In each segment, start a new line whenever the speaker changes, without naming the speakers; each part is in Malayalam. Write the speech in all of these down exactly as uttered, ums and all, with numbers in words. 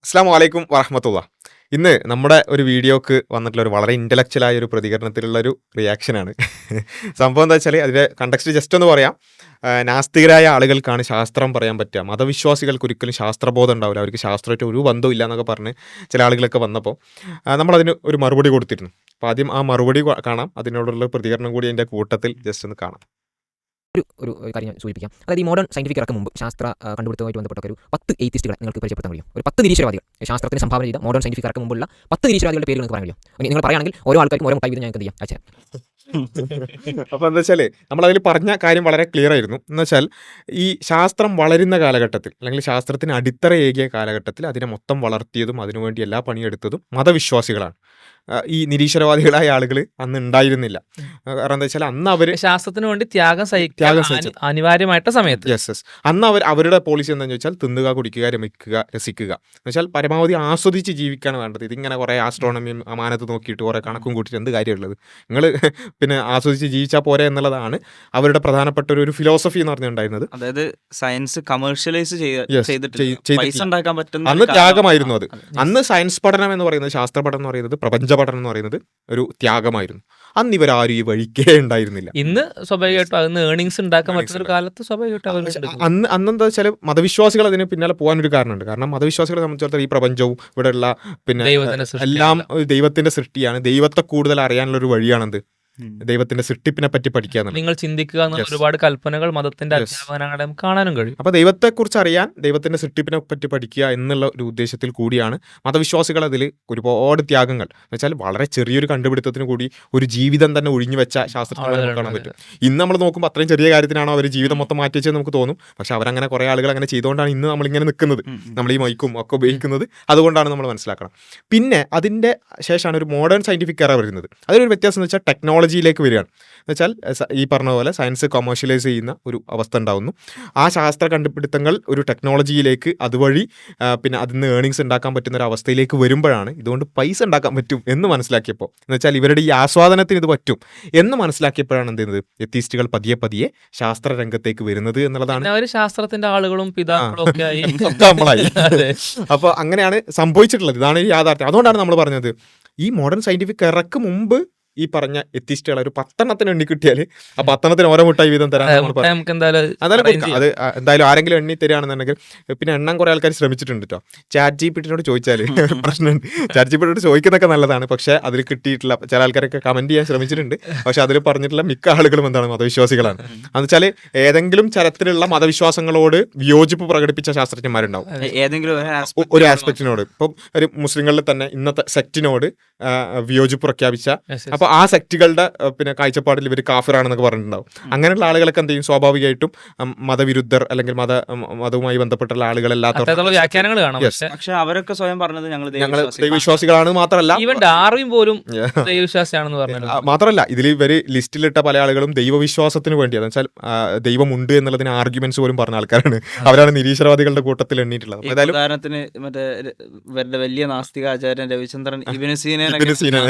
അസ്സലാമു അലൈക്കും വറഹ്മത്തുള്ളാഹ്. ഇന്ന് നമ്മുടെ ഒരു വീഡിയോക്ക് വന്നിട്ടുള്ള ഒരു വളരെ ഇൻ്റലക്ച്വലായ ഒരു പ്രതികരണത്തിലുള്ള ഒരു റിയാക്ഷനാണ്. സംഭവം എന്താ വെച്ചാൽ അതിൻ്റെ കണ്ടക്സ്റ്റ് ജസ്റ്റ് ഒന്ന് പറയാം. ആഹ് നാസ്തികരായ ആളുകൾക്കാണ് ശാസ്ത്രം പറയാൻ പറ്റുക. മതവിശ്വാസികൾക്ക് ഒരിക്കലും ശാസ്ത്രബോധം ഉണ്ടാവില്ല. അവർക്ക് ശാസ്ത്രമായിട്ട് ഒരു ബന്ധവും ഇല്ല എന്നൊക്കെ പറഞ്ഞ് ചില ആളുകളൊക്കെ വന്നപ്പോൾ ആഹ് നമ്മളതിന് ഒരു മറുപടി കൊടുത്തിരുന്നു. അപ്പോൾ ആദ്യം ആ മറുപടി ക- കാണാം. അതിനോടുള്ള പ്രതികരണം കൂടി അതിൻ്റെ കൂട്ടത്തിൽ ജസ്റ്റ് ഒന്ന് കാണാം.
ഒരു ഒരു കാര്യം ഞാൻ സൂചിപ്പിക്കാം. അതായത് ഈ മോഡേൺ സയന്റിഫിക് ഇറക്കം മുമ്പ് ശാസ്ത്ര ആ, കണ്ടുപിടുത്തവുമായിട്ട് ബന്ധപ്പെട്ട ഒരു പത്ത് എയ്ത്തിസ്റ്റുകളെ നിങ്ങൾക്ക് പരിചയപ്പെടുത്താൻ കഴിയും. ഒരു പത്ത് നിരീശ്വരവാദികൾ ശാസ്ത്രത്തിന് സംഭാവന ചെയ്ത മോഡേൺ സയന്റിഫിക് ഇറക്കം മുമ്പുള്ള പത്ത് നിരീശ്വരവാദികളുടെ പേര് നിങ്ങൾക്ക് പറയാൻ കഴിയും. ഇനി നിങ്ങൾ പറയുകയാണെങ്കിൽ ഓരോ ആൾക്കാർക്കും ഓരോ മുട്ടായി വീതം ഞാൻ എന്ത് ചെയ്യാം അയച്ചു
അപ്പോൾ എന്താ വെച്ചാൽ നമ്മളതിൽ പറഞ്ഞ കാര്യം വളരെ ക്ലിയർ ആയിരുന്നു. എന്ന് വെച്ചാൽ ഈ ശാസ്ത്രം വളരുന്ന കാലഘട്ടത്തിൽ അല്ലെങ്കിൽ ശാസ്ത്രത്തിന് അടിത്തറയേകിയ കാലഘട്ടത്തിൽ അതിനെ മൊത്തം വളർത്തിയതും അതിനുവേണ്ടി എല്ലാ പണിയെടുത്തതും മതവിശ്വാസികളാണ്. ആ, ഈ നിരീശ്വരവാദികളായ ആളുകൾ അന്ന് ഉണ്ടായിരുന്നില്ല. ആ, കാരണം എന്താ വെച്ചാൽ അന്ന് അവർ
ശാസ്ത്രത്തിന് വേണ്ടി ത്യാഗം സഹിക്കാൻ
ത്യാഗം സഹിച്ചത്.
അനി- അനിവാര്യമായിട്ട സമയത്ത്
യെസ് യെസ് അന്ന് അവർ അവരുടെ പോളിസി എന്താണെന്ന് വെച്ചാൽ തിന്നുക, കുടിക്കുക, രമിക്കുക, രസിക്കുക എന്ന് വെച്ചാൽ പരമാവധി ആസ്വദിച്ച് ജീവിക്കാണ് വേണ്ടത്. ഇതിങ്ങനെ കുറേ ആസ്ട്രോണമിയും അമാനത്ത് നോക്കിയിട്ട് കുറേ കണക്കും കൂട്ടിയിട്ട് എന്ത് കാര്യമുള്ളത്, നിങ്ങൾ പിന്നെ ആസ്വദിച്ച് ജീവിച്ചാൽ പോരെ എന്നുള്ളതാണ് അവരുടെ പ്രധാനപ്പെട്ട ഒരു ഒരു ഫിലോസഫി എന്ന് പറഞ്ഞിട്ടുണ്ടായിരുന്നത്.
അതായത് സയൻസ് കമേഴ്ഷ്യലൈസ്
Yes,
ചെയ്തിട്ടില്ല.
ചെയ്- ചെയ്തിട്ടില്ല.
പൈസ ഉണ്ടാക്കാൻ പറ്റുന്ന
അന്ന്
ഒരു കാരണം-
ത്യാഗമായിരുന്നു അത്.
അതെ.
അന്ന് സയൻസ് പഠനം എന്ന് പറയുന്നത്, ശാസ്ത്ര പഠനം എന്ന് പറയുന്നത്, പ്രപഞ്ച പഠനം എന്ന് പറയുന്നത് ഒരു ത്യാഗമായിരുന്നു. അന്ന് ഇവരാരും ഈ വഴിക്കേ ഉണ്ടായിരുന്നില്ല.
ഇന്ന് സ്വാഭാവികമായിട്ടും അതിന് ഏണിങ്സ് ഉണ്ടാക്കാൻ പറ്റുന്ന ഒരു കാലത്ത് സ്വാഭാവികമായിട്ടും അവർ
പക്ഷെ അന്ന് അന്നെന്താ വെച്ചാൽ മതവിശ്വാസികൾ അതിന് പിന്നാലെ പോകാനൊരു കാരണമുണ്ട്. കാരണം മതവിശ്വാസികളെ സംബന്ധിച്ചിടത്തോളം ഈ പ്രപഞ്ചവും ഇവിടെയുള്ള പിന്നെ
ദൈവത്തിന്റെ സൃഷ്ടി
എല്ലാം ദൈവത്തിന്റെ സൃഷ്ടിയാണ്. ദൈവത്തെ കൂടുതൽ അറിയാനുള്ള ഒരു വഴിയാണെന്ത്,
ഉം.
ദൈവത്തിന്റെ സൃഷ്ടിപ്പിനെ പറ്റി പഠിക്കുക എന്നുള്ളത്.
നിങ്ങൾ ചിന്തിക്കുക എന്നുള്ള
Yes.
ഒരുപാട് കൽപ്പനകൾ മതത്തിന്റെ
Yes.
അധ്യാപനങ്ങളെ നമുക്ക് കാണാനും കഴിയും.
അപ്പോൾ ദൈവത്തെക്കുറിച്ച് അറിയാൻ, ദൈവത്തിന്റെ സൃഷ്ടിപ്പിനെ പറ്റി പഠിക്കുക എന്നുള്ള ഒരു ഉദ്ദേശത്തിൽ കൂടിയാണ് മതവിശ്വാസികൾ അതിൽ ഒരുപാട് ത്യാഗങ്ങൾ എന്ന് വെച്ചാൽ വളരെ ചെറിയൊരു കണ്ടുപിടുത്തത്തിന് കൂടി ഒരു ജീവിതം തന്നെ ഒഴിഞ്ഞു വെച്ച ശാസ്ത്രജ്ഞരെ നമുക്ക് കാണാൻ പറ്റും. ഇന്ന് നമ്മൾ നോക്കുമ്പോൾ അത്രയും ചെറിയ കാര്യത്തിനാണോ അവർ ജീവിതം മൊത്തം മാറ്റി വെച്ചത് നമുക്ക് തോന്നും. പക്ഷെ അവരങ്ങനെ കുറേ ആളുകൾ അങ്ങനെ ചെയ്തുകൊണ്ടാണ് ഇന്ന് നമ്മളിങ്ങനെ നിൽക്കുന്നത്,
ഉം, ഉം.
നമ്മൾ ഈ മൈക്കും ഒക്കെ ഉപയോഗിക്കുന്നത്. അതുകൊണ്ടാണ് നമ്മൾ മനസ്സിലാക്കണം. പിന്നെ അതിൻ്റെ ശേഷമാണ് ഒരു മോഡേൺ സയൻറ്റിഫിക് എറ വരുന്നത്. അതിലൊരു വ്യത്യാസം എന്ന് വെച്ചാൽ ടെക്നോളജിയിലേക്ക് വരികയാണ്. എന്ന് വെച്ചാൽ സ- ഈ പറഞ്ഞ പോലെ സയൻസ് കൊമേഴ്ഷ്യലൈസ് ചെയ്യുന്ന ഒരു അവസ്ഥ ഉണ്ടാവുന്നു. ആ ശാസ്ത്ര കണ്ടുപിടുത്തങ്ങൾ ഒരു ടെക്നോളജിയിലേക്ക് അതുവഴി ആ, പിന്നെ അതിൽ നിന്ന് ഏണിങ്സ് ഉണ്ടാക്കാൻ പറ്റുന്ന ഒരു അവസ്ഥയിലേക്ക് വരുമ്പോഴാണ് ഇതുകൊണ്ട് പൈസ ഉണ്ടാക്കാൻ പറ്റും എന്ന് മനസ്സിലാക്കിയപ്പോൾ, എന്ന് വെച്ചാൽ ഇവരുടെ ഈ ആസ്വാദനത്തിന് ഇത് പറ്റും എന്ന് മനസ്സിലാക്കിയപ്പോഴാണ് എന്ത് ചെയ്യുന്നത്, എത്തീസ്റ്റുകൾ പതിയെ പതിയെ ശാസ്ത്ര രംഗത്തേക്ക് വരുന്നത് എന്നുള്ളതാണ്.
പിന്നെ അവര് ശാസ്ത്രത്തിന്റെ ആളുകളും പിതാക്കളും ഒക്കെ ആയി.
ഒക്കെ നമ്മളായി.
അതെ.
അപ്പോൾ അങ്ങനെയാണ് സംഭവിച്ചിട്ടുള്ളത്. ഇതാണ് ഈ യാഥാർത്ഥ്യം. അതുകൊണ്ടാണ് നമ്മൾ പറഞ്ഞത് ഈ മോഡേൺ സയന്റിഫിക് എറക്ക് മുമ്പ് ഈ പറഞ്ഞ എത്തിസ്റ്റുകൾ ഒരു പത്തെണ്ണത്തിന് എണ്ണി കിട്ടിയാൽ ആ പത്തെണ്ണത്തിന് ഓരോ മുട്ടായി വീതം തരാൻ
അതെ,
നമ്മൾ
മുട്ട
പറഞ്ഞു.
നമുക്ക് എന്തായാലും
അതായത്
arrange
കൊടുക്കാം. അത് ആ, എന്തായാലും ആരെങ്കിലും എണ്ണി തരികയാണെന്നുണ്ടെങ്കിൽ പിന്നെ എണ്ണം കുറേ ആൾക്കാർ ശ്രമിച്ചിട്ടുണ്ട് കേട്ടോ. ചാറ്റ് ജി പി ടിനോട് ചോദിച്ചാൽ ഒരു പ്രശ്നമുണ്ട്. ചാറ്റ് ജി പി ടിയോട് ചോദിക്കുന്നതൊക്കെ നല്ലതാണ്, പക്ഷേ അതിൽ കിട്ടിയിട്ടില്ല. ചില ആൾക്കാരൊക്കെ കമന്റ് ചെയ്യാൻ ശ്രമിച്ചിട്ടുണ്ട്, പക്ഷെ അതിൽ പറഞ്ഞിട്ടുള്ള മിക്ക ആളുകളും എന്താണ്, മതവിശ്വാസികളാണ്. എന്ന് വെച്ചാൽ ഏതെങ്കിലും തരത്തിലുള്ള മതവിശ്വാസങ്ങളോട് വിയോജിപ്പ് പ്രകടിപ്പിച്ച ശാസ്ത്രജ്ഞന്മാരുണ്ടാവും
ഏ- ഏതെങ്കിലും ഒരു
ഒ-
aspect
ഒരു
ൽ
ആസ്പെക്റ്റിനോട്. ഇപ്പം ഒരു മുസ്ലിങ്ങളിൽ തന്നെ ഇന്നത്തെ സെക്റ്റിനോട് വിയോജിപ്പ് പ്രഖ്യാപിച്ച,
Yes, yes.
അപ്പോൾ ആ സെക്റ്റുകളുടെ ആ, പിന്നെ കാഴ്ചപ്പാടിൽ ഇവർ കാഫിറാണെന്നൊക്കെ പറഞ്ഞിട്ടുണ്ടാവും. അങ്ങനെയുള്ള ആളുകളൊക്കെ എന്ത് ചെയ്യും, സ്വാഭാവികമായിട്ടും ഉം, മതവിരുദ്ധർ അല്ലെങ്കിൽ മത ഉം, മതവുമായി ബന്ധപ്പെട്ടുള്ള ആളുകളല്ലാത്ത
അത്തരത്തിലുള്ള വ്യാഖ്യാനങ്ങൾ കാണാം.
Yes.
പക്ഷെ
പക്ഷെ അവരൊക്കെ സ്വയം പറഞ്ഞത് ഞങ്ങൾ
ഞങ്ങൾ ദൈവവിശ്വാസികളാണ് മാത്രമല്ല
ഈവൻ ഡാർവിൻ പോലും ദൈവവിശ്വാസിയാണെന്ന് പറഞ്ഞു.
ആ, മാത്രമല്ല ഇതിൽ ഇവർ ലിസ്റ്റിലിട്ട പല ആളുകളും ദൈവവിശ്വാസത്തിന് വേണ്ടി, അതെന്ന് വെച്ചാൽ ആ, ദൈവമുണ്ട് എന്നുള്ളതിന് ആർഗ്യുമെന്റ്സ് പോലും പറഞ്ഞ ആൾക്കാരാണ്. അവരാണ് നിരീശ്വരവാദികളുടെ കൂട്ടത്തിൽ എണ്ണിയിട്ടുള്ളത്. അപ്പോൾ ഏതായാലും
ഉദാഹരണത്തിന് മറ്റേ ര- ഇവരുടെ വലിയ നാസ്തിക ആചാര്യൻ രവിചന്ദ്രൻ ഇബിന് സീനനെ
ഇബ്നു സീന.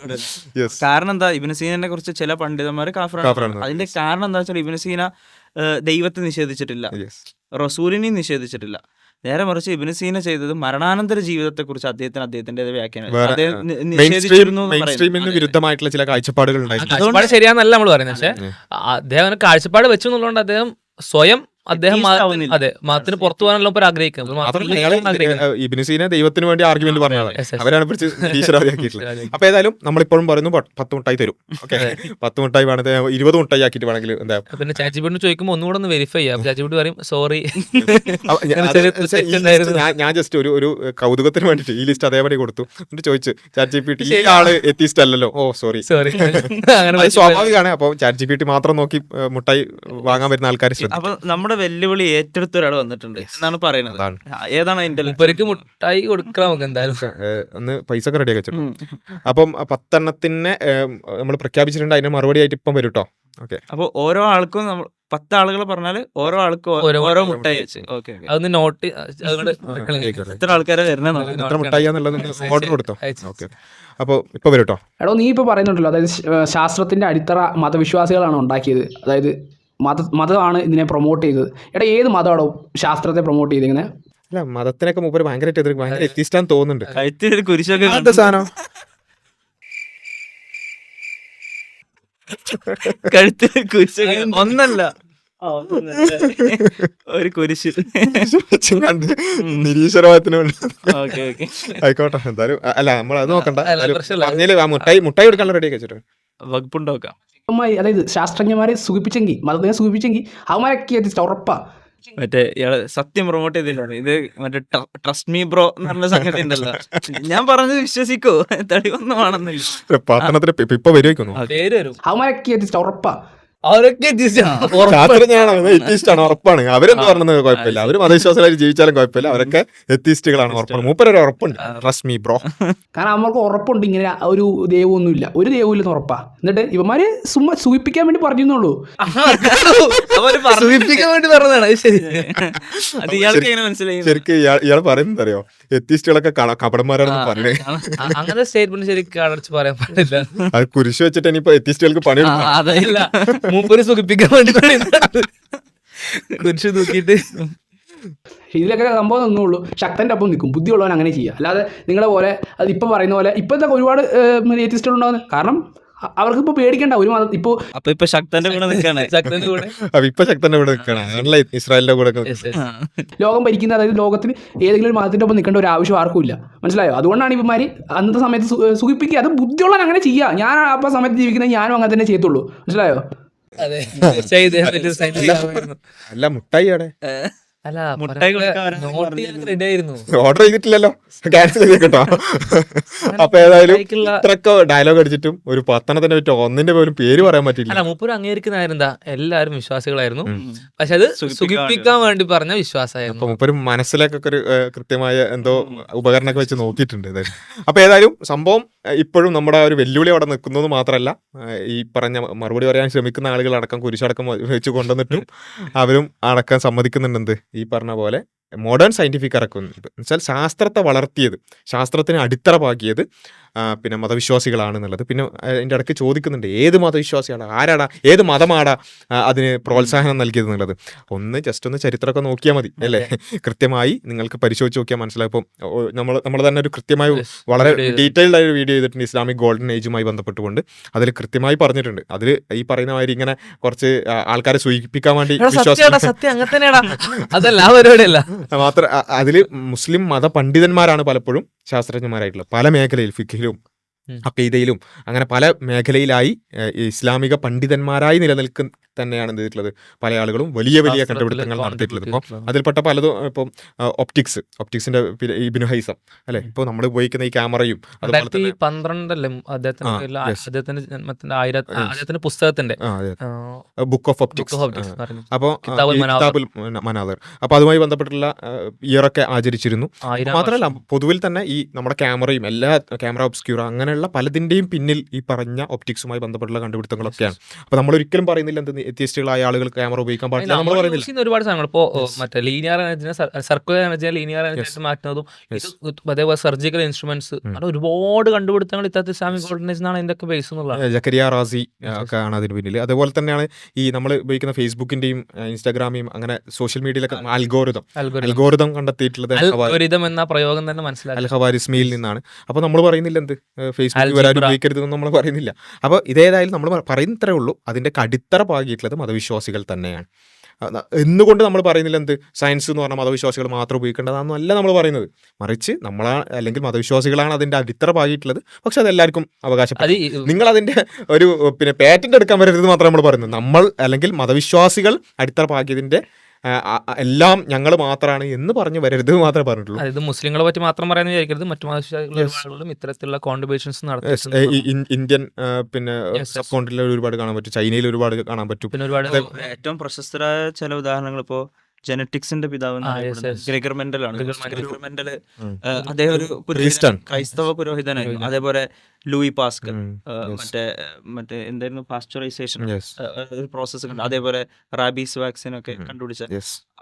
Yes.
കാരണം എന്താ, ഇബിന് സീനനെ കുറിച്ച് ചില പണ്ഡിതന്മാർ കാഫിറാണ്.
കാഫിറാണ്.
അതിന്റെ കാരണം എന്താ വെച്ചാൽ ഇബിന് സീന ഏഹ്, ദൈവത്തെ നിഷേധിച്ചിട്ടില്ല,
Yes.
റസൂലിനെയും നിഷേധിച്ചിട്ടില്ല. നേരെ മറിച്ച് ഇബിന് സീന ചെയ്തത് മരണാനന്തര ജീവിതത്തെ കുറിച്ച് അദ്ദേഹത്തിന് അദ്ദേഹത്തിന്റെ വ്യാഖ്യാനം
വേറെ,
അദ്ദേഹം നി-
മെയിൻ
നിഷേധിച്ചിരുന്നു എന്ന്
മെയിൻ
പറയുന്നു.
സ്ട്രീമിന് വിരുദ്ധമായിട്ടുള്ള ചില കാഴ്ചപ്പാടുകൾ ഉണ്ടായിരുന്നു.
കാഴ്ചപ്പാട് ശരിയാന്നല്ല നമ്മൾ പറയുന്നത്. പക്ഷെ അദ്ദേഹം അങ്ങനെ കാഴ്ചപ്പാട് വെച്ചു എന്നുള്ളതുകൊണ്ട് അദ്ദേഹം സ്വയം അദ്ദേഹം മത-
Atheist ആവുന്നില്ല.
അതെ, മതത്തിന് പുറത്തു പോകാനുള്ള ഇപ്പോൾ ആഗ്രഹിക്കുന്നത്. അപ്പോൾ
മാത്രമല്ല
മതത്തിൽ
ഞങ്ങള്
ഇരിക്കാൻ ആഗ്രഹിക്കുന്നത്.
ഇബ്നു സീന ദൈവത്തിന് വേണ്ടി ആർഗ്യുമെന്റ് പറഞ്ഞതാണ്.
Yes, yes.
അവരാണ് പിടിച്ച് ഈശ്വരാദിയാക്കിയിട്ടുള്ളത്. അപ്പൊ ഏതായാലും നമ്മളിപ്പോഴും പറയുന്നു പ- പത്ത് മുട്ടായി തരും. ഓക്കെ, പത്ത് മുട്ടായി വേണമെങ്കിൽ ഇരുപത് മുട്ടായി ആക്കിയിട്ട് വേണമെങ്കിൽ എന്താ
പിന്നെ ചാച്ചിബിട്ട് ചോദിക്കുമ്പോൾ ഒന്നുകൂടെ ഒന്ന് വെരിഫൈ ചെയ്യാം. ചാച്ചിബിട്ട് പറയും സോറി.
അപ്പൊ ഞാൻ-
അങ്ങനെ
അത്
ചെറിയ
വെച്ചാ ഈ
തെറ്റുണ്ടായിരുന്നു.
list ഞാൻ ഞാൻ ജസ്റ്റ് ഒരു ഒരു കൗതുകത്തിന് വേണ്ടിട്ട് ഈ ലിസ്റ്റ് അതേപടി കൊടുത്തു. എന്നിട്ട് ചോദിച്ചു ചാറ്റ് ജി പി ടി ഈ
ശരി.
ആള് എത്തിസ്റ്റ് അല്ലല്ലോ, ഓ സോറി.
സോറി. അങ്ങനെ
അത് സ്വാഭാവികമാണ്. അപ്പോൾ ചാറ്റ് ജി പി ടി മാത്രം നോക്കി ഏഹ്, മുട്ടായി വാങ്ങാൻ വരുന്ന ആൾക്കാർ ശ്രദ്ധിക്കും.
അപ്പൊ നമ്മുടെ വെല്ലുവിളി ഏറ്റെടുത്ത ഒരാൾ വന്നിട്ടുണ്ട് എന്നാണ് പറയുന്നത്.
അതാണ്.
ആ, ഏതാണ് അതിന്റെ
മുപ്പർക്ക് മുട്ടായി കൊടുക്കണം നമുക്ക് എന്തായാലും.
ഏഹ്, ഒന്ന് പൈസ ഒക്കെ റെഡിയാക്കി വെച്ചു. അപ്പം പത്തെണ്ണത്തിന് നമ്മൾ പ്രഖ്യാപിച്ചിട്ടുണ്ട്. അതിന് മറുപടി ആയിട്ട് ഇപ്പം വരും കേട്ടോ. ഓക്കെ,
അപ്പൊ ഓരോ ആൾക്കും നമ്മൾ പത്ത് ആളുകൾ പറഞ്ഞാല് ഓരോ ആൾക്കും ഓ-
ഓരോ
ഓരോ
മുട്ടായി
മുട്ടായി വെച്ച്. Okay okay.
അതൊന്ന് നോട്ട് അതുകൊണ്ട്
എത്ര ആൾക്കാരെ വരുന്നത് നോക്കാം.
എത്ര മുട്ടായിന്നുള്ളത് ഓർഡർ കൊടുത്തോ.
അയച്ചു.
ഓക്കെ, അപ്പോൾ ഇപ്പൊ വരും കേട്ടോ.
എടോ നീ ഇപ്പോൾ പറയുന്നുണ്ടല്ലോ, അതായത് ശ- ഏഹ് ശാസ്ത്രത്തിൻ്റെ അടിത്തറ മതവിശ്വാസികളാണ് ഉണ്ടാക്കിയത്, അതായത് മത മതമാണ് ഇതിനെ പ്രൊമോട്ട് ചെയ്തത്. എടാ ഏത് മതമാണോ ശാസ്ത്രത്തെ പ്രൊമോട്ട് ചെയ്തിരിക്കുന്നത്?
അല്ല മതത്തിനൊക്കെ മൂപ്പര് ഭയങ്കരമായിട്ട് എതിർക്കും, ഭയങ്കര എത്തിയിട്ടാന്ന് തോന്നുന്നുണ്ട്.
കഴുത്തിലൊരു കുരിശൊക്കെ
എന്താ സാധനം
കഴുത്തിൽ കുരിശൊക്കെ
ഒന്നല്ല
ആ, ഒന്നല്ല. ഒരു കുരിശ്.
കണ്ട് നിരീശ്വരവാദത്തിന് വേണ്ടി
ഓക്കെ ഓക്കെ
ആയിക്കോട്ടെ. എന്തായാലും അ- അല്ല നമ്മൾ അത് നോക്കണ്ട.
അല്ല,
എന്തായാലും
പ്രശ്നമില്ല.
പറഞ്ഞതില് ആ മുട്ടായി മുട്ടായി എടുക്കാനുള്ള റെഡി ആക്കി വെച്ചിട്ട്
വകുപ്പുണ്ടാക്കാം.
അവന്മാര് അതായത് ശാസ്ത്രജ്ഞന്മാരെ സൂചിപ്പിച്ചെങ്കിൽ മതത്തിനെ സൂചിപ്പിച്ചെങ്കിൽ അവന്മാരൊക്കെ എത്തിച്ചിട്ട് ഉറപ്പാ.
മറ്റേ ഇയാള് സത്യം പ്രൊമോട്ട് ചെയ്തില്ലാണ് ഇത്, മറ്റേ ട്രസ്റ്റ് മീ ബ്രോ എന്ന് പറഞ്ഞ സംഗതി ഉണ്ടല്ലോ. ഞാൻ പറഞ്ഞത് വിശ്വസിക്കോ, തെളിവൊന്നുമാണെന്നില്ല.
പത്തനത്തിന് ഇപ്പൊ വരുവയ്ക്കുന്നു
പേര് വരും
അവന്മാരൊക്കെ എത്തിച്ചിട്ട് ഉറപ്പാ.
അവരൊക്കെ
ശാസ്ത്രജ്ഞാണ് എത്തിയിസ്റ്റാണ് ഉറപ്പാണ്. അവരെന്ത് പറഞ്ഞത് കുഴപ്പമില്ല, അവര് മതവിശ്വാസമായിട്ട് ജീവിച്ചാലും കുഴപ്പമില്ല, അവരൊക്കെ എത്തിയിസ്റ്റുകളാണ് ഉറപ്പാണ്. മൂപ്പരൊരു ഉറപ്പുണ്ട്, ട്രസ്റ്റ് മീ ബ്രോ.
കാരണം അവർക്ക് ഉറപ്പുണ്ട് ഇങ്ങനെ ഒരു ദൈവമൊന്നുമില്ല, ഒരു ദൈവമില്ലെന്ന് ഉറപ്പാ. എന്നിട്ട് ഇവന്മാര് സുമ്മാ സൂചിപ്പിക്കാൻ വേണ്ടി പറഞ്ഞുള്ളൂ.
സൂചിപ്പിക്കാൻ വേണ്ടി പറഞ്ഞതാണ്. അത് ശരി.
അത് ഇയാൾക്ക് എങ്ങനെ മനസ്സിലായി?
ശരിക്കും ഇയാൾ ഇയാൾ പറയുന്നത് അറിയോ, എത്തിയിസ്റ്റുകളൊക്കെ ക- കപടന്മാരാണെന്ന് പറഞ്ഞേ.
അ- അങ്ങനെ സ്റ്റേറ്റ്മെന്റ് ശരിക്കും അടച്ചു പറയാൻ പാടില്ല.
അത് കുരിശ് വെച്ചിട്ട് ഇനിയിപ്പോ എത്തിയിസ്റ്റുകൾക്ക് പണിയെടുക്കാം.
അതല്ല മൂപ്പര് സുഖിപ്പിക്കാൻ വേണ്ടി പറയുന്നതാണ്. കുരിശ് തൂക്കിയിട്ട്
ഇതിലൊക്കെ സംഭവം ഒന്നുള്ളൂ, ശക്തൻ്റെ ഒപ്പം നിൽക്കും. ബുദ്ധിയുള്ളവൻ അങ്ങനെ ചെയ്യുക. അല്ലാതെ നിങ്ങളെ പോലെ അത് ഇപ്പം പറയുന്ന പോലെ ഇപ്പോഴത്തെ ഒരുപാട് ഏത്തിസ്റ്റുകൾ ഉണ്ടാകുന്നത്. കാരണം അ- അവർക്ക് ഇപ്പോൾ പേടിക്കേണ്ട ഒരു മതം ഇപ്പോൾ
അപ്പൊ ഇപ്പൊ ശക്തന്റെ കൂടെ നിൽക്കാണ്.
ശക്തന്റെ കൂടെ
അപ്പൊ ഇപ്പൊ ശക്തന്റെ കൂടെ നിൽക്കണം, അതല്ല ഇസ്രായേലിന്റെ കൂടെ ഒക്കെ.
Yes, yes.
ലോകം ഭരിക്കുന്ന, അതായത് ലോകത്തിന് ഏതെങ്കിലും ഒരു മതത്തിൻ്റെ ഒപ്പം നിൽക്കേണ്ട ഒരു ആവശ്യം ആർക്കും ഇല്ല. മനസ്സിലായോ? അതുകൊണ്ടാണ് ഇവന്മാർ അന്നത്തെ സമയത്ത് സു- സുഖിപ്പിക്കുക. അത് ബുദ്ധിയുള്ളവൻ അങ്ങനെ ചെയ്യുക. ഞാൻ ആ സമയത്ത് ജീവിക്കുന്നത് ഞാനും അങ്ങനെ തന്നെ ചെയ്യത്തുള്ളൂ. മനസ്സിലായോ?
അതെ തീർച്ചയായും ഇദ്ദേഹം വലിയൊരു scientist ആയിരുന്നു.
അല്ല മുട്ടായി അവിടെ
അല്ല
മുട്ടായി കൊടുക്കാൻ വരാൻ
നോട്ട് ചെയ്യാൻ റെഡി ആയിരുന്നു.
ഓർഡർ ചെയ്തിട്ടില്ലല്ലോ, ക്യാൻസൽ ചെയ്ത് കേട്ടോ. അപ്പൊ ഏതായാലും
മുട്ടായിക്കുള്ള-
ഇത്രയൊക്കെ ഡയലോഗ് അടിച്ചിട്ടും ഒരു പത്തനത്തിന്റെ പറ്റി ഒന്നിന്റെ പോലും പേര് പറയാൻ പറ്റില്ല.
അല്ല മൂപ്പര് അംഗീകരിക്കുന്ന എന്താ, എല്ലാവരും വിശ്വാസികളായിരുന്നു, പക്ഷെ അത് സുഖിപ്പിക്കാൻ വേണ്ടി പറഞ്ഞ വിശ്വാസമായിരുന്നു.
അപ്പൊ മുപ്പര് മനസ്സിലേക്കൊക്കെ ഒരു ഏഹ്, കൃത്യമായ എന്തോ ഉപകരണമൊക്കെ വെച്ച് നോക്കിയിട്ടുണ്ട് ഇത്. അപ്പൊ ഏതായാലും സംഭവം ഏഹ്, ഇപ്പോഴും നമ്മുടെ ആ ഒരു വെല്ലുവിളി അവിടെ നിൽക്കുന്നത് മാത്രമല്ല, ഏഹ്, ഈ പറഞ്ഞ മറുപടി പറയാൻ ശ്രമിക്കുന്ന ആളുകൾ അടക്കം കുരിശടക്കം വെച്ച് കൊണ്ടുവന്നിട്ടും അവരും അടക്കം സമ്മതിക്കുന്നുണ്ട് ഈ പറഞ്ഞ പോലെ മോഡേൺ സയന്റിഫിക് ഇറക്കുന്നത് എന്നുവെച്ചാൽ ശാസ്ത്രത്തെ വളർത്തിയത്, ശാസ്ത്രത്തിന് അടിത്തറ പാകിയത് ആ, പിന്നെ മതവിശ്വാസികളാണെന്നുള്ളത്. പിന്നെ അതിൻ്റെ ഇടയ്ക്ക് ചോദിക്കുന്നുണ്ട് ഏത് മതവിശ്വാസിയാണ്, ആരാടാ, ഏത് മതമാടാ ആ, അതിന് പ്രോത്സാഹനം നൽകിയത് എന്നുള്ളത്. ഒന്ന് ജസ്റ്റ് ഒന്ന് ചരിത്രമൊക്കെ നോക്കിയാൽ മതി അല്ലേ, കൃത്യമായി നിങ്ങൾക്ക് പരിശോധിച്ച് നോക്കിയാൽ മനസ്സിലാവും. ഇപ്പം നമ്മൾ നമ്മൾ തന്നെ ഒരു കൃത്യമായ വളരെ ഡീറ്റെയിൽഡ് ആയ ഒരു വീഡിയോ ചെയ്തിട്ടുണ്ട് ഇസ്ലാമിക് ഗോൾഡൻ ഏജുമായി ബന്ധപ്പെട്ടുകൊണ്ട്. അതിൽ കൃത്യമായി പറഞ്ഞിട്ടുണ്ട്. അതിൽ ഈ പറയുന്ന മാതിരി ഇങ്ങനെ കുറച്ച് ആ, ആൾക്കാരെ സൂചിപ്പിക്കാൻ വേണ്ടി
എടാ,
വിശ്വാസം
സത്യമാടാ, സത്യം അങ്ങനെ തന്നെയാടാ. അതല്ല ആ പരിപാടിയല്ല.
മാത്രം അതിൽ മുസ്ലിം മത പണ്ഡിതന്മാരാണ് പലപ്പോഴും ശാസ്ത്രജ്ഞന്മാരായിട്ടുള്ളത്, പല മേഖലയിൽ ഫിഖിലും
ഉം.
അക്കീദയിലും അങ്ങനെ പല മേഖലയിലായി ഏഹ്, ഈ ഇസ്ലാമിക പണ്ഡിതന്മാരായി നിലനിൽക്കുന്ന തന്നെയാണ് എന്ത് ചെയ്തിട്ടുള്ളത്, പല ആളുകളും വലിയ വലിയ
ശാസ്ത്രത്തില്
കണ്ടുപിടുത്തങ്ങൾ നടത്തിയിട്ടുള്ളത്. ഇപ്പോൾ
contributed
അതിൽപ്പെട്ട പലതും ഇപ്പം ഒപ്റ്റിക്സ് ഒപ്റ്റിക്സിന്റെ ഇബിനു ഹൈസം അല്ലെ, ഇപ്പോൾ നമ്മൾ ഉപയോഗിക്കുന്ന ഈ ക്യാമറയും അതുപോലെ
രണ്ടായിരത്തി
തന്നെ
പന്ത്രണ്ടല്ലേ അദ്ദേഹത്തിന്
ആ,
പേരില്
yes.
അദ്ദേഹത്തിന്റെ ജന്മത്തിന്റെ ആയിരത്തി അദ്ദേഹത്തിന്റെ പുസ്തകത്തിന്റെ
book of optics.
Book of Optics പറയുന്നത്.
അപ്പോൾ
കിതാബുൽ മനാദിർ.
കിതാബുൽ മനാദിർ, അപ്പോൾ അതുമായി ബന്ധപ്പെട്ടുള്ള ഇയറൊക്കെ ആചരിച്ചിരുന്നു.
ആയിരം
മാത്രമല്ല പൊതുവിൽ തന്നെ ഈ നമ്മുടെ ക്യാമറയും എല്ലാ ക്യാമറ ഒബ്സ്ക്യൂറ അങ്ങനെയുള്ള പലതിൻ്റെയും പിന്നിൽ ഈ പറഞ്ഞ ഒപ്റ്റിക്സുമായി ബന്ധപ്പെട്ടുള്ള കണ്ടുപിടുത്തങ്ങളൊക്കെയാണ്. അപ്പോൾ നമ്മൾ ഒരിക്കലും പറയുന്നില്ല എന്ത് എത്തിയസ്റ്റുകളായ ആളുകൾ ക്യാമറ ഉപയോഗിക്കാൻ പാടില്ല, നമ്മൾ
നമ്മൾ യൂസ്
പറയുന്നില്ല.
ചെയ്യുന്ന ഒരുപാട് സാധനങ്ങൾ ഇപ്പോ മറ്റേ ലീനിയർ എനർജിനെ സർക്കുലർ എനർജിനെ ലീനിയർ എനർജി ആയിട്ട് മാറ്റുന്നതും ഇത് അതേപോലെ സർജിക്കൽ ഇൻസ്ട്രുമെന്റ്സ് അങ്ങനെ ഒരുപാട് കണ്ടുപിടുത്തങ്ങൾ ഇത്തരത്തിൽ ഇസ്ലാമിക് ഗോൾഡൻ ഏജ് എന്നാണ് ഇതിന്റെ ഒക്കെ ബേസ് എന്നുള്ളത്.
ജക്കരിയ റാസി ആ, ഒക്കെ ആണ് അതിന് പിന്നിൽ. അതുപോലെ തന്നെയാണ് ഈ നമ്മൾ ഉപയോഗിക്കുന്ന ഫേസ്ബുക്കിന്റെയും ഇൻസ്റ്റാഗ്രാമിയും അങ്ങനെ സോഷ്യൽ മീഡിയയിലൊക്കെ അൽഗോരിതം അൽഗോരിതം കണ്ടെത്തിയിട്ടുള്ളത്
അൽഗോരിതം എന്ന പ്രയോഗം തന്നെ മനസ്സിലാക്കി.
അൽ ഖവാരിസ്മിയിൽ നിന്നാണ്. അപ്പോൾ നമ്മൾ പറയുന്നില്ല എന്ത് ഫേസ്ബുക്ക്
Algebra.
വരാൻ ഉപയോഗിക്കരുതെന്ന് നമ്മൾ പറയുന്നില്ല. അപ്പോൾ ഇതേതായാലും നമ്മൾ പറയുന്നത്രേ ഉള്ളൂ, അതിൻ്റെ അടിത്തറ പാകിയിട്ടുള്ളത് മതവിശ്വാസികൾ തന്നെയാണ്. അ- എന്നുകൊണ്ട് നമ്മൾ പറയുന്നില്ല എന്ത് സയൻസ് എന്ന് പറഞ്ഞാൽ മതവിശ്വാസികൾ മാത്രം ഉപയോഗിക്കേണ്ടതാണെന്നും അല്ല നമ്മൾ പറയുന്നത്. മറിച്ച് നമ്മളാ അല്ലെങ്കിൽ മതവിശ്വാസികളാണ് അതിൻ്റെ അടിത്തറ പാകിയിട്ടുള്ളത്, പക്ഷെ അത് എല്ലാവർക്കും അവകാശപ്പെട്ടു.
അത് ഈ-
നിങ്ങൾ അതിൻ്റെ ഒരു പിന്നെ പാറ്റന്റ് എടുക്കാൻ വരരുത് മാത്രം നമ്മൾ പറയുന്നത്. നമ്മൾ അല്ലെങ്കിൽ മതവിശ്വാസികൾ അടിത്തറ പാകിയതിൻ്റെ ആ, ആ, എല്ലാം ഞങ്ങൾ മാത്രമാണ് എന്ന് പറഞ്ഞു വരരുത് മാത്രമേ പറഞ്ഞിട്ടുള്ളൂ.
അതായത് മുസ്ലിങ്ങളെ പറ്റി മാത്രം പറയാൻ വിചാരിക്കരുത്, മറ്റു മതവിശ്വാസികളും ഇത്തരത്തിലുള്ള കോൺട്രിബ്യൂഷൻസ്
Yes,
നടത്തി.
ഏ, ഈ ഇൻ- ഇന്ത്യൻ ആ, പിന്നെ
Yes, yes.
സബ് കോണ്ടിനെന്റിൽ ഒരുപാട് കാണാൻ പറ്റും, ചൈനയിൽ ഒരുപാട് കാണാൻ പറ്റും.
പിന്നെ ഒരുപാട്
ഏറ്റവും പ്രശസ്തരായ ചില ഉദാഹരണങ്ങൾ ഇപ്പോ ജനറ്റിക്സിന്റെ പിതാവ്
ആ, yes, yes.
ഗ്രെഗർ മെന്റൽ ആണ്.
Gregor Mendel.
ഗ്രെഗർ മെന്റൽ
ഉം.
ഏഹ്, അദ്ദേഹം ഒരു പുരോഹിതൻ-
Priest ആണ്.
ക്രൈസ്തവ പുരോഹിതനായിരുന്നു. അതേപോലെ ലൂയി പാസ്കൽ
ഉം,
ഏഹ്,
yes.
മറ്റേ മറ്റേ എന്തായിരുന്നു പാസ്ചറൈസേഷൻ
Yes,
ഒരു പ്രോസസ്സ് ഉണ്ട്. അതേപോലെ റാബീസ് വാക്സിൻ ഒക്കെ
ഉം.
കണ്ടുപിടിച്ച
yes.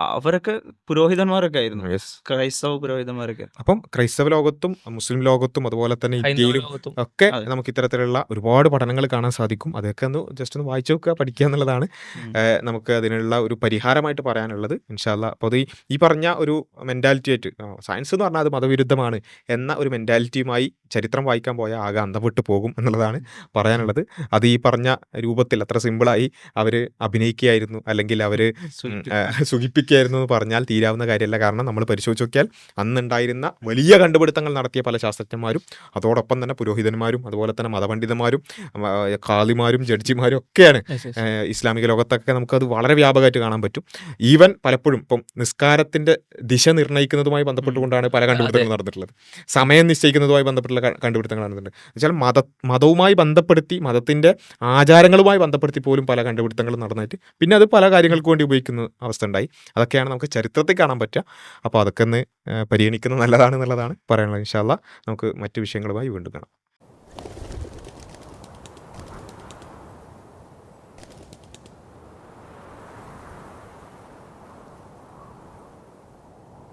അവരൊക്കെ പുരോഹിതന്മാരൊക്കെ ആയിരുന്നു,
യെസ്.
ക്രൈസ്തവ പുരോഹിതന്മാരൊക്കെ.
അപ്പം ക്രൈസ്തവ ലോകത്തും മുസ്ലിം ലോകത്തും അതുപോലെ തന്നെ
ഹൈന്ദവ
ഇന്ത്യയിലും
ലോകത്തും
ഒക്കെ
അതെ.
നമുക്ക് ഇത്തരത്തിലുള്ള ഒരുപാട് പഠനങ്ങൾ കാണാൻ സാധിക്കും. അതൊക്കെ ഒന്ന് ജസ്റ്റ് ഒന്ന് വായിച്ചു നോക്കുക, പഠിക്കുക എന്നുള്ളതാണ്
ഉം.
ഏഹ് നമുക്ക് അതിനുള്ള ഒരു പരിഹാരമായിട്ട് പറയാനുള്ളത്. ഇൻഷാല്ല. അപ്പോൾ അത് ഈ ഈ പറഞ്ഞ ഒരു മെൻറ്റാലിറ്റി ആയിട്ട് സയൻസ് എന്ന് പറഞ്ഞാൽ അത് മതവിരുദ്ധമാണ് എന്ന ഒരു മെൻറ്റാലിറ്റിയുമായി ചരിത്രം വായിക്കാൻ പോയാൽ ആകെ അന്തംവിട്ട് പോകും എന്നുള്ളതാണ് പറയാനുള്ളത്. അത് ഈ പറഞ്ഞ രൂപത്തിൽ അത്ര സിമ്പിളായി അവർ അഭിനയിക്കുകയായിരുന്നു അല്ലെങ്കിൽ അവർ
സൂചിപ്പിച്ചു.
സുഖിപ്പിക്കുകയായിരുന്നു എന്ന് പറഞ്ഞാൽ തീരാവുന്ന കാര്യമല്ല. കാരണം നമ്മൾ പരിശോധിച്ച് നോക്കിയാൽ അന്നുണ്ടായിരുന്ന വലിയ കണ്ടുപിടുത്തങ്ങൾ നടത്തിയ പല ശാസ്ത്രജ്ഞന്മാരും അതോടൊപ്പം തന്നെ പുരോഹിതന്മാരും അതുപോലെ തന്നെ മതപണ്ഡിതന്മാരും ആ, ഖാദിമാരും ജഡ്ജിമാരും ഒക്കെയാണ്
Yes, yes.
ഏഹ് ഇസ്ലാമിക ലോകത്തൊക്കെ നമുക്കത് വളരെ വ്യാപകമായിട്ട് കാണാൻ പറ്റും. ഈവൻ പലപ്പോഴും ഇപ്പം നിസ്കാരത്തിൻ്റെ ദിശ നിർണ്ണയിക്കുന്നതുമായി ബന്ധപ്പെട്ടുകൊണ്ടാണ് പല കണ്ടുപിടുത്തങ്ങളും നടന്നിട്ടുള്ളത്. സമയം നിശ്ചയിക്കുന്നതുമായി ബന്ധപ്പെട്ടുള്ള ക- കണ്ടുപിടുത്തങ്ങൾ നടന്നിട്ടുണ്ട്. എന്നുവെച്ചാൽ മത മതവുമായി ബന്ധപ്പെടുത്തി മതത്തിൻ്റെ ആചാരങ്ങളുമായി ബന്ധപ്പെടുത്തി പോലും പല കണ്ടുപിടുത്തങ്ങളും നടന്നിട്ട് പിന്നെ അത് പല കാര്യങ്ങൾക്ക് വേണ്ടി ഉപയോഗിക്കുന്ന അവസ്ഥ ഉണ്ടായി. അതൊക്കെയാണ് നമുക്ക് ചരിത്രത്തിൽ കാണാൻ പറ്റുക. അപ്പോൾ അതൊക്കെ ഒന്ന് ഏഹ് പരിഗണിക്കുന്നത് നല്ലതാണ് എന്നുള്ളതാണ് പറയാനുള്ളത്. ഇൻഷാ അല്ലാ നമുക്ക് മറ്റു വിഷയങ്ങളുമായി വീണ്ടും കാണാം.